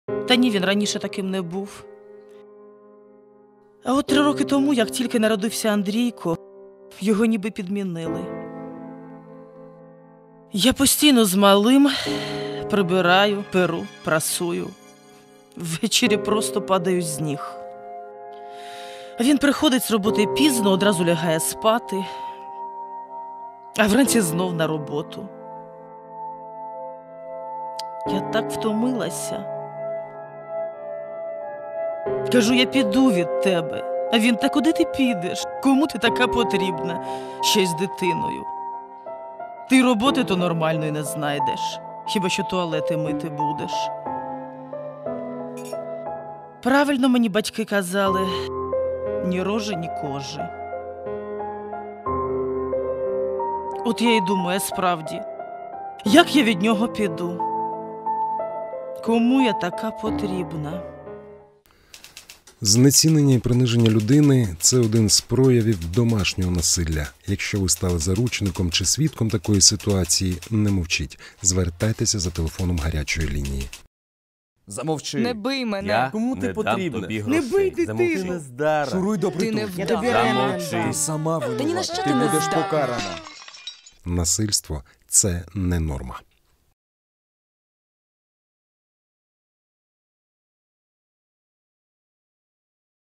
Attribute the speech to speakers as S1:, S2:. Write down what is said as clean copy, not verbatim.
S1: Та ні, він раніше таким не був. А от 3 роки тому, як тільки народився Андрійко, його ніби підмінили. Я постійно з малим прибираю, перу, прасую. Ввечері просто падаю з ніг. Він приходить з роботи пізно, одразу лягає спати, а вранці знов на роботу. Я так втомилася. Кажу, я піду від тебе. А він, та куди ти підеш? Кому ти така потрібна? Ще й з дитиною. Ти роботи то нормальної не знайдеш. Хіба що туалети мити будеш. Правильно мені батьки казали, ні рожи, ні кожи. От я й думаю, справді, як я від нього піду? Кому я така потрібна?
S2: Знецінення і приниження людини – це один з проявів домашнього насилля. Якщо ви стали заручником чи свідком такої ситуації, не мовчіть. Звертайтеся за телефоном гарячої лінії.
S3: Замовчи.
S4: Не бий мене.
S3: Я
S5: Кому ти
S3: не дам
S5: потрібна?
S3: тобі
S5: Не
S3: грошей.
S5: бий дитину.
S3: Замовчи.
S5: Ти не здара.
S3: Шуруй до
S4: Ти не
S3: притулку.
S4: вдова.
S3: Замовчи.
S5: Ти сама винувата.
S4: Та ні на що
S5: Ти
S4: ти не
S5: будеш
S4: здатна.
S5: покарана.
S2: Насильство – це не норма.